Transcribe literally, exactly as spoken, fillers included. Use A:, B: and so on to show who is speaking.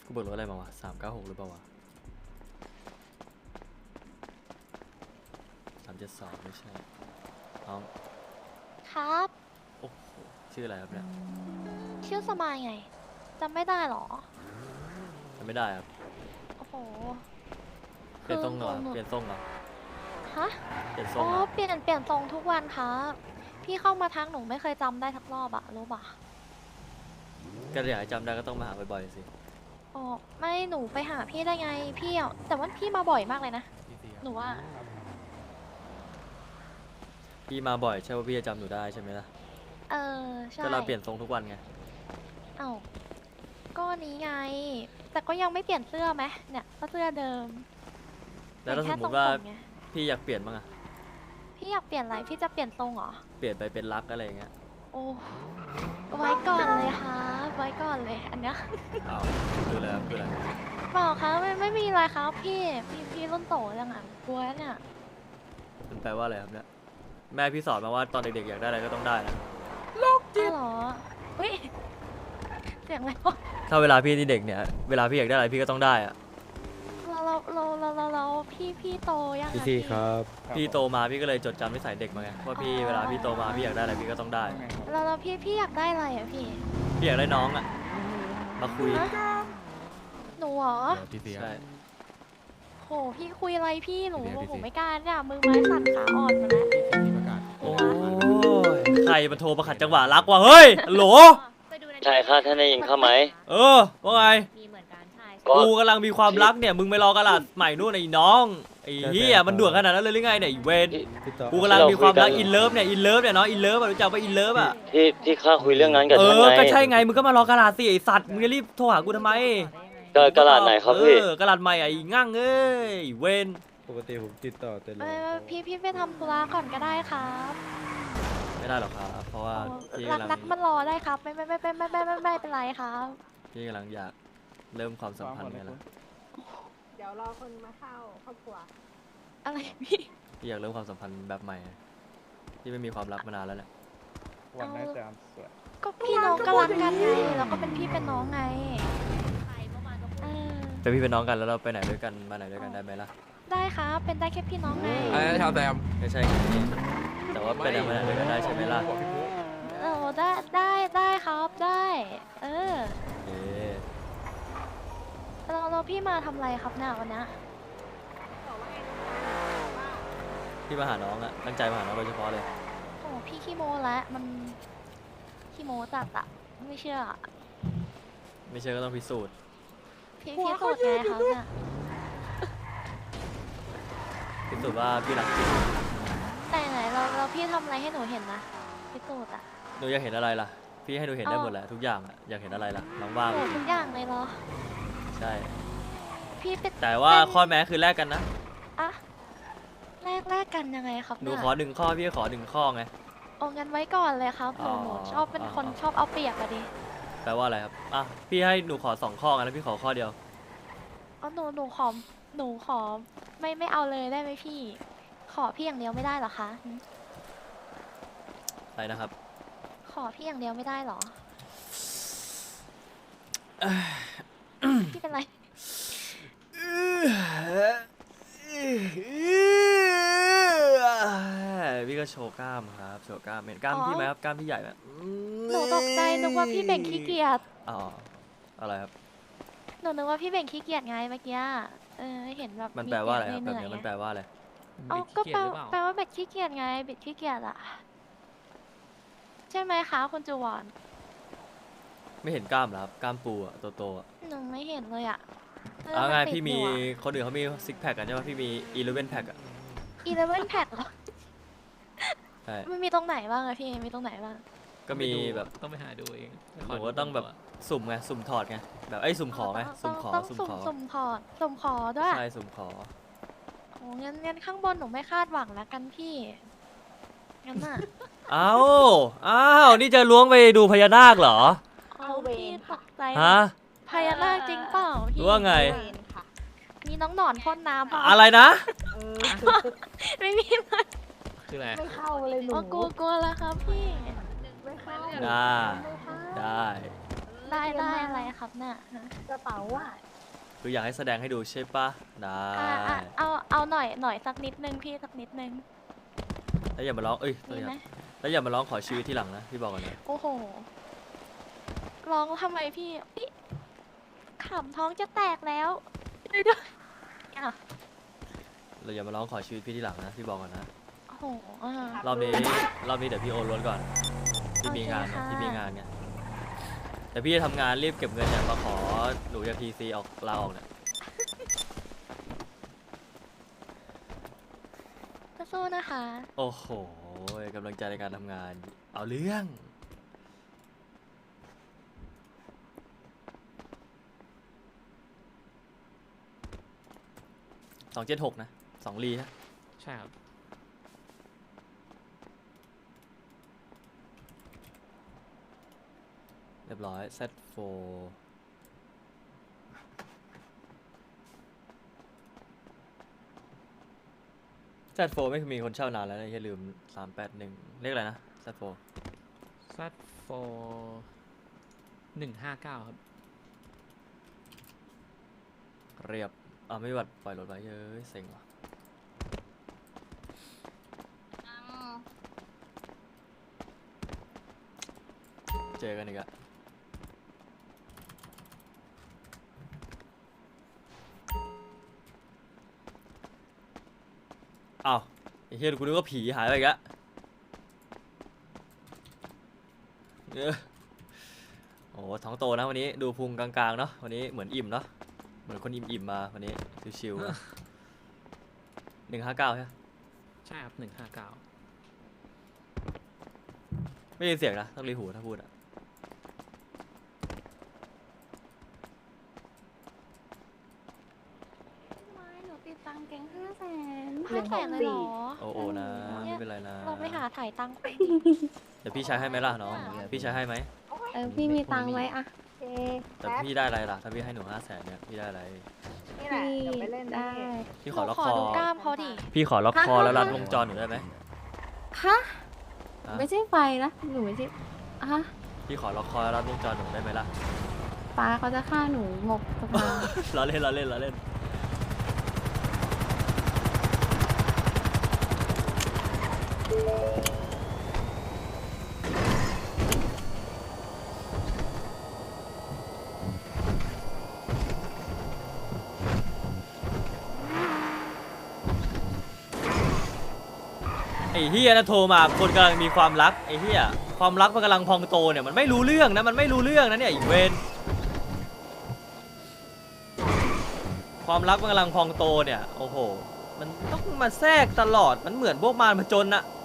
A: กูเบิกรถอะไรมาวะสามเก้าหกหรือเปล่าวะสามเจ็ดสองไม่ใช่น้อง
B: ครับ
A: โอ้โหชื่ออะไรครับเนี่ย
B: ชื่อสมายไงจำไม่ได้หรอ
A: จำไม่ได้ครับ
B: โอ้โห
A: เปลี่ยนทรงเหรอ
B: หนู
A: เปลี่ยนทรงเหรอ
B: ฮะ
A: เปลี่ยนทร
B: อ๋
A: ง
B: อ
A: เหรอ
B: เปลี่ยนเปลี่ยนทรงทุกวันครับพี่เข้ามาทักหนูไม่เคยจำได้ทักรอบอะรู้ปะ
A: ก็อยากให้จำได้ก็ต้องมาหาบ่อยๆสิ
B: อ๋อไม่หนูไปหาพี่ได้ไงพี่อะแต่ว่าพี่มาบ่อยมากเลยนะหนูว่า
A: พี่มาบ่อยใช่ว่าพี่จะจำหนูได้ใช่ไหมล่ะ
B: เออใช่
A: ก็เราเปลี่ยนทรงทุกวันไง
B: เอ้าก็นี้ไง แต่ก็ยังไม่เปลี่ยนเสื้อไหมเนี่ยก็เสื้อเดิม
A: แล้วถ้า
B: เป
A: ส
B: ลี่ย
A: ม
B: น
A: มติว่า
B: แค่ทรงผมไง
A: พี่อยากเปลี่ยนบ้างอะ
B: พี่อยากเปลี่ยนอะไรพี่จะเปลี่ยนทรงเหรอ
A: เปลี่ยนไปเป็นรักอะไรอย่างเงี้ย
B: โอ้ไว้ก่อนเลยค่ะไว้ก่อนเลยอันเนี้ย
A: อ้าวดูเลยครับดูเลย
B: เปล่าครับไม่ไม่มีอะไรครับพี่พี่พี่รุ่นโตยังอ่ะกลัวเนี่ย
A: มันแปลว่าอะไรครับเนี่ยแม่พี่สอนมาว่าตอนเด็กๆอยากได้อะไรก็ต้องได้นะ
B: อ้าวเหรอเฮ้ยเสียงอะไรวะ
A: ถ้าเวลาพี่ที่เด็กเนี่ยเวลาพี่อยากได้อะไรพี่ก็ต้องได้อะ
B: เราเราเราเราเราเราพี่พี่โตยัง
C: พี่
B: อะ
C: ซี่ครับ
A: พี่โตมาพี่ก็เลยจดจำนิสัยเด็กมาไงว่าพี่เวลาพี่โตมาพี่อยากได้อะไรพี่ก็ต้องได้
B: เราเราพี่พี่อยากได้อะไรอ่ะพี่
A: พี่อยากได้น้องอะมาคุย
B: ฮะหนูเหรอ
C: พี่ซี่
A: ใช่
B: โหพี่คุยอะไรพี่หนู
C: พี่เดียวพี่
B: ผม
C: สิ
B: ไม่กล้าเนี่ยมือไม้สั่นขาอ่อนหมาแล้ว
C: พี่ประกาศ
A: โอ้ยใครมันโทรมาขัดจังหวะรักวะเฮ้ยฮัลโหล
D: ใช่ค่ะท่านได้ยินข้าไหม
A: เออว่าไง
E: มีเหมือนกันใช่
D: ก็
A: กูกำลังมีความรักเนี่ยมึงไปรอกระดาษใหม่นู่นไอ้น้องไอ้เหี้ยมันด่วนขนาดนั้นเลยหรือไงเนี่ยไอ้เวน
D: ที่
C: พี่ต่อ
A: กูกำลังมีความรักอินเลิฟเนี่ยอินเลิฟเนี่ยเนาะอินเลิฟอะรู้จักปะอินเลิฟอะ
D: ที่ที่ข้าคุยเรื่องนั้นกับ
A: เอ
D: ท่าน
A: อ
D: ไง
A: ก็ใช่ไงมึงก็มารอกระดาษสิไอ้สัตว์มึงจะรีบโทรหากูทำไม
D: กระกระดาษไหนครับพี่
A: เออกระดาษใหม่ไอ้งั่งเอ้ยไอ้เวน
C: ปกติผมติดต่อแต่
B: เออพี่พี่ไปทำธุระก่อนก็ได้ครับ
A: ไม่ได้หรอกครับเพราะว่า
B: เออ
A: พี่
B: รัก
A: กำลัง
B: นักมันรอได้ครับไม่ไม่ไม่ไม่ไม่ไม่ไม่ไม่เป็นไรครับ
A: พี่กำลังอยากเริ่มความสัมพันธ์ไงล่ะ
F: เดี๋ยวรอคนมาเข้าครอบครัว
B: อะไรพี่
A: พี่อยากเริ่มความสัมพันธ์แบบใหม่ที่ไม่มีความรักมานานแล้วแหละ
C: วันได้แต่สวย
B: ก็พี่น้องก็รักกันไงแล้วก็เป็นพี่เป็นน้องไง
E: ใครเมื่อวานก็พูด
B: เออ
A: เป็นพี่เป็นน้องกันแล้วเราไปไหนด้วยกันมาไหนด้วยกันได้ไหมล่ะ
B: ได้ครับเป็นได้แค่พี่น้องไง
C: อะไรนะชาวแซม
A: ไม่ใช่ไงแต่ว่าไปไหนมาไหนด้วยกันได้ใช่ไหมล่ะ
B: เออได้ได้ได้ครับได้ เออ
A: เอ๊ะ
B: เราเราพี่มาทำอะไรครับเนี่ยวันเนี้ย
A: พี่มาหาน้องอะตั้งใจมาหาน้องโดยเฉพาะเลย
B: โอ้พี่ขี้โมแล้วมันขี้โมจัดอะไม่เชื่ออะ
A: ไม่เชื่อก็ต้องพิสูจน์
B: พี่พี่สูตรไงครับเนี่ย
A: พิสูจน์ว่าพี่รักจริง
B: แต่ไหนเราเราพี่ทำอะไรให้หนูเห็นนะพี่สูตรอะ
A: หนูอยากเห็นอะไรล่ะ พี่ให้หนูเห็นได้หมดแหละทุกอย่างอะอยากเห็นอะไรล่ะน้องว่าง
B: โอ้ทุกอย่างเลยเหรอ
A: ใช่
B: พี่เป็น
A: แต่ว่า
B: เป็น
A: ข้อแม้คือแลกกันนะ
B: อะแลกแลกกันยังไงครับ
A: หนู
B: เนี่ย
A: ขอหนึ่งข้อพี่ก็ขอหนึ่งข้อไง
B: เอางั้นไว้ก่อนเลยครับหนู
A: อ๋อ
B: หนูชอบเป็นคน
A: อ๋อ
B: ชอบเอาเปรียบอะดิ
A: แปลว่าอะไรครับอ่ะพี่ให้หนูขอสองข้อไงแล้วพี่ขอข้อเดียว
B: เอาหนูหนูขอหนูขอไม่ไม่เอาเลยได้ไหมพี่ ขอพี่อย่างเดียวไม่ได้เหรอคะหึ
A: อะไรนะครับ
B: ขอพี่อย่างเดียวไม่ได้เหรอ พี่เป็นไร
A: พี่ก็โชว์กล้ามครับโชว์กล้ามเห็นกล้าม
B: อ๋อ
A: พี่ไหมครับกล้ามพี่ใหญ่ไหม
B: หนูตกใจนึกว่าพี่เบ่งขี้เกียจ
A: อ๋ออะไรครับ
B: หนูนึกว่าพี่เบ่งขี้เกียจไงเมื่อกี้เออเห็นแบบ
A: มันแปลว่าอะไรครับ
B: เห
A: แบบ
B: นื่อย
A: นี้
B: ๆ
A: มันแปลว่าอะไร
B: เอาก็แปลแปลว่าเบ็ดขี้เกียจไงเบ็ดขี้เกียจอะใช่ไหมคะคุณจูวอน
A: ไม่เห็นกล้ามเหรอครับกล้ามปูอะโตๆอะ
B: หนูไม่เห็นเลยอะเออ
A: เอาไง
B: นติด
A: พี่มี
B: อยู่อะ
A: คนอื่นเขามีซิกแพคกันใช่ไหมพี่มีอีเลฟเว่นแพคอะ
B: อีเลเว่นแพ็คเหรอ
A: ใช่
B: มันมีตรงไหนบ้างอะพี่ มีตรงไหนบ้าง
A: ก็มีแบบ
G: ต้องไปหาดูเอง
A: หนูก็ต้องแบบสุ่มไงสุ่มถอดไงแบบไอ้ยสุ่มขอไง
B: ต้
A: สุ่
B: อง
A: มขอ
B: ต้อง
A: สุ่ม
B: สุ่ม
A: ขอ
B: สุ่มขอสุ่มขอด้วย
A: ใช่สุ่มขอ
B: โอ้งั้นงั้นข้างบนหนูไม่คาดหวังแล้วกันพี่ งั้นอะ
A: อ้าวอ้าวนี่จะล้วงไปดูพญานาคเหรอ
B: เอาพี่ตกใจ
A: ฮะ
B: พญานาคจริงเปล่า
A: ห
B: พี่
A: รือว่าไง
F: เวนค่ะ
B: มีน้องหนอนพ่นน้ำเปล่า
A: อะไรนะ
F: เออ
B: ไม่มีเลย
G: คืออะไร
F: ไม่เข้าเลยหนู
B: อ๋อกลัวกลัวแล้วครับพี่
F: ไม่เข้า
A: ได้
F: ไม่เข้า
A: ได้
B: ไได้ได้อะไรครับน่ะ
F: กระเป๋าอ่ะ
A: คืออยากให้แสดงให้ดูใช่ปะได้
B: อ่ะอ่ะเอาเอาหน่อยหน่อยสักนิดนึงพี่สักนิดนึง
A: แล้วอย่ามาร้องเอ้ย
B: มีไหม
A: แล้วอย่ามาร้องขอชีวิตที่หลังนะพี่บอกก่อนนะ
B: โอ้โหร้องทำไมพี่พี่ขำท้องจะแตกแล้วช่วยด้วยอ่ะ
A: เราอย่ามาร้องขอชีวิตพี่ที่หลังนะพี่บอกก่อนนะ
B: โอ้โหอ่ะ
A: รอบนี้รอบนี้เดี๋ยวพี่โอนรถก่อนพี่มีงาน
B: โอเค
A: นะ
B: ค่ะ
A: พี่มีงานเนี่ยแต่พี่จะทำงานรีบเก็บเงินเนี่ยมาขอหนูจากทีซีออกลาออกเนี่ย
B: สู้ๆนะคะ
A: โอ้โหกำลังใจในการทำงาน เอาเรื่องสองเจ็ดหกนะสองลีนะ
G: ใช่ครับ
A: เรียบร้อย เซตโฟ เซตโฟไม่มีคนเช่านานแล้วนะอย่าลืมสามแปดหนึ่งเรียกอะไรนะ เซตโฟ
G: ซัดโฟหนึ่งห้าเก้าครับ
A: เรียบอ่าไม่วัดปล่อยรถไว้เย้ยเซ็งว่ะเจอกันอีกอะอ้าวไอ้เฮียกูนึกว่าผีหายไปอีกแล้วเออโอ้ท้องโตนะวันนี้ดูพุงกลางๆเนาะวันนี้เหมือนอิ่มเนาะเหมือนคนอิ่มๆมาวันนี้ชิวๆหนึ่งห้าเก้าใช่ไหม
G: ใช่ครับหนึ่งห้าเก้า
A: ไม่ได้ยินเสียงนะต้องรีหูถ้าพูดอะ
H: ไม่หนูติดตังค์แก๊งห้าแสน
B: ห้าแสนเลยเหรอ
A: โอ้โอนะไม่เป็นไรนะ
B: เราไปหาถ่ายตังค์
A: เดี๋ยวพี่ใช้ให้ไหมล่ะน้องพี่ใช้ให้ไหม
H: เออพี่มีตังค์ไว้อะ
F: โอเค
A: แต่
F: แป๊บ
A: พี่ได้อะไรล่ะถ้าพี่ให้หนูห้าแสนเนี่ยพี่ได้อะไร
F: นี่แหละ
H: พี่
F: เดี๋ยวไปเล่น
H: ได้
A: พี่
B: ห
A: ขอ
B: นู
A: ล็อก
B: ขอ
A: คอ
B: ดูกล้ามเขาดิ
A: พี่ขอล็อกคอ
H: ฮะ
A: แล้วรัดวงจรหนูได้ไหม
H: ฮะ
A: ฮะ
H: ไม่ใช่ไฟนะหนูไม่ใช่ฮะ
A: พี่ขอล็อกคอแล้วรัดวงจรหนูได้ไหมล่ะ
H: ป้าเขาจะฆ่าหนูหมกสภา
A: เราเล่นเราเล่นเราเล่นไอ้เฮียนะโทรมาคนกำลังมีความรักไอ้เฮียความรักมันกำลังพองโตเนี่ยมันไม่รู้เรื่องนะมันไม่รู้เรื่องนะเนี่ยอีเวนความรักมันกำลังพองโตเนี่ยโอ้โหมันต้องมาแทรกตลอดมันเหมือนพวกมารผจญอะ